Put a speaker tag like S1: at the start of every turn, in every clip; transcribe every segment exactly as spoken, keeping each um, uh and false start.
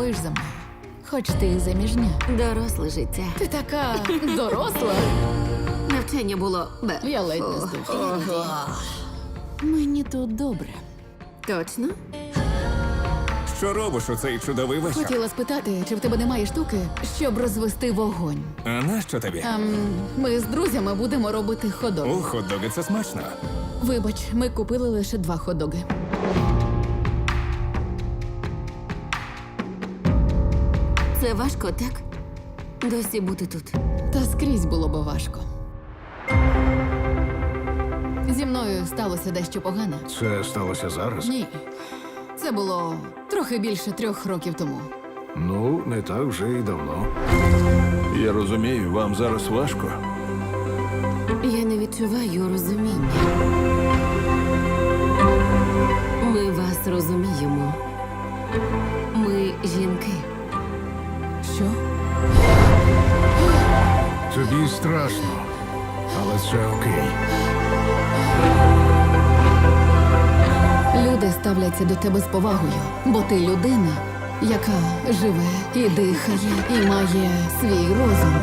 S1: сумуєш за мною. Хоч ти і заміжня.
S2: Доросле життя.
S1: Ти така доросла.
S2: Навчання було бе.
S1: Я ледь не
S2: Фу.
S1: здохла. Мені тут добре.
S2: Точно?
S3: Що робиш у цей чудовий вечір?
S1: Хотіла спитати, чи в тебе немає штуки, щоб розвести вогонь.
S3: А нащо тобі?
S1: Ем, ми з друзями будемо робити ходок.
S3: У хот-доги це смачно.
S1: Вибач, ми купили лише два ходоги.
S2: Це важко, так? Досі бути тут.
S1: Та скрізь було би важко. Зі мною сталося дещо погане.
S4: Це сталося зараз?
S1: Ні. Це було трохи більше трьох років тому.
S4: Ну, не так вже й давно.
S5: Я розумію, вам зараз важко.
S2: Я не відчуваю розуміння. Ми вас розуміємо. Ми жінки.
S1: Що?
S4: Тобі страшно, але це окей.
S1: Люди ставляться до тебе з повагою, бо ти людина, яка живе і дихає, і має свій розум.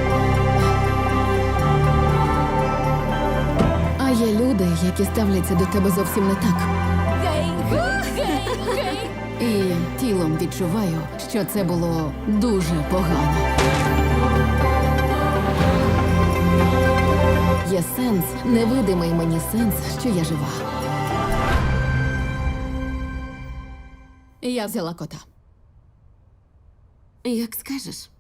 S1: А є люди, які ставляться до тебе зовсім не так. І тілом відчуваю, що це було дуже погано. Є сенс, невидимий мені сенс, що я жива. Я взяла кота.
S2: Як скажеш.